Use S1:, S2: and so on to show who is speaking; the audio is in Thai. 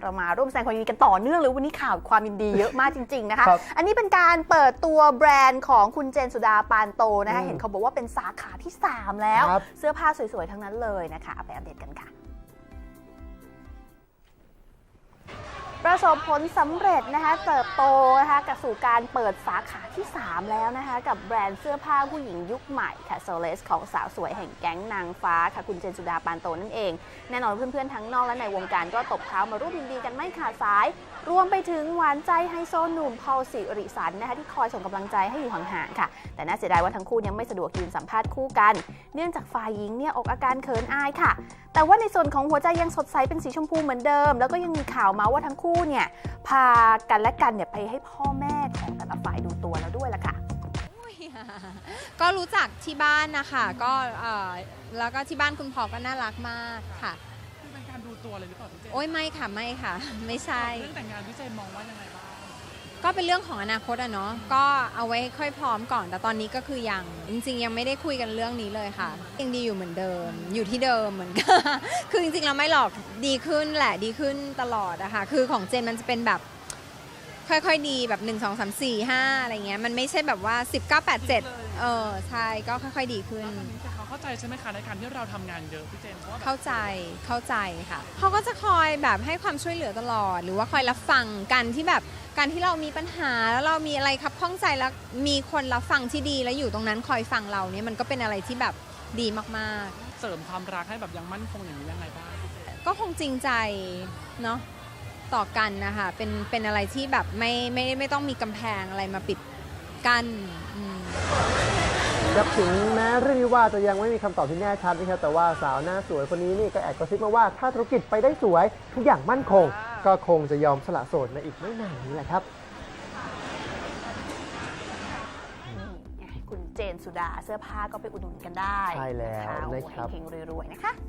S1: เรามาร่วมแสดงความยินดีกันต่อเนื่องเลยวันนี้ข่าวความยินดีเยอะมากจริงๆนะคะ อันนี้เป็นการเปิดตัวแบรนด์ของคุณเจนสุดาปานโตนะคะเห็นเขาบอกว่าเป็นสาขาที่ 3 แล้วเสื้อผ้าสวยๆทั้งนั้นเลยนะคะไปอัปเดตกันค่ะประสบผลสำเร็จนะคะเติบโตนะคะกับสู่การเปิดสาขาที่ 3 แล้วนะคะกับแบรนด์เสื้อผ้าผู้หญิงยุคใหม่ค่ะโซเลสของสาวสวยแห่งแก๊งนางฟ้าค่ะคุณเจนสุดาปานโตนั่นเองแน่นอนเพื่อนๆทั้งนอกและในวงการก็ตบเท้ามาร่วมยินดีกันไม่ขาดสายรวมไปถึงหวานใจไฮโซหนุ่มพอลสิริสันนะคะที่คอยส่งกำลังใจให้อยู่ห่างๆค่ะแต่น่าเสียดายว่าทั้งคู่ยังไม่สะดวกยืนสัมภาษณ์คู่กันเนื่องจากฝ่ายหญิงเนี่ยออกอาการเขินอายค่ะแต่ว่าในส่วนของหัวใจยังสดใสเป็นสีชมพูเหมือนเดิมแล้วก็ยังมีข่าวมาว่าทั้งคู่เนี่ยพากันและกันเนี่ยไปให้พ่อแม่ของแต่ละฝ่ายดูตัวแล้วด้วยล่ะค่ะ
S2: ก็รู้จักที่บ้านนะคะก็แล้วก็ที่บ้านคุณพ่อก็น่ารักมากค่ะ
S3: เป็นการดูตัวเลยหรือเปล่าพี่เจน
S2: โอ้ยไม่ค่ะไม่ค่ะไม่ใช่
S3: เรื่องแต่งงานพี่เจนมองว่ายังไงบ้าง
S2: ก็เป็นเรื่องของอนาคตอะเนาะก็เอาไว้ค่อยพร้อมก่อนแต่ตอนนี้ก็คือยังจริงๆยังไม่ได้คุยกันเรื่องนี้เลยค่ะยังดีอยู่เหมือนเดิมอยู่ที่เดิมเหมือนกันคือจริงๆเราไม่หรอกดีขึ้นแหละดีขึ้นตลอดอะค่ะคือของเจนมันจะเป็นแบบค่อยๆดีแบบ1 2 3 4 5อะไรเงี้ยมันไม่ใช่แบบว่า10 9 8 7ใช่ก็ค่อยๆดีขึ้น
S3: แต่เขาเข้าใจใช่ไหมคะในการที่เราทำงานเยอะพี่เจน
S2: เข้าใจค่ะเขาก็จะคอยแบบให้ความช่วยเหลือตลอดหรือว่าคอยรับฟังกันที่แบบการที่เรามีปัญหาแล้วเรามีอะไรครับข้องใจแล้วมีคนรับฟังที่ดีแล้วอยู่ตรงนั้นคอยฟังเราเนี่ยมันก็เป็นอะไรที่แบบดีมาก
S3: ๆเสริมความรักให้แบบยังมั่นคงอย่างนี้ยังไงบ้าง
S2: ก็คงจริงใจเนาะต่อกันนะคะเป็นอะไรที่แบบไม่ต้องมีกำแพงอะไรมาปิดกั้น
S4: ครับถึงแม้เรื่องนี้ว่าจะยังไม่มีคำตอบที่แน่ชัดนะครับแต่ว่าสาวหน้าสวยคนนี้นี่ก็แอบกระซิบมาว่าถ้าธุรกิจไปได้สวยทุกอย่างมั่นคงก็คงจะยอมสละโสดในอีกไม่นานนี้แหละครับ
S1: คุณเจนสุดาเสื้อผ้าก็ไปอุดหนุนกันได้
S4: ใช่แล้วนะครับ
S1: เฮงๆรวยๆนะคะ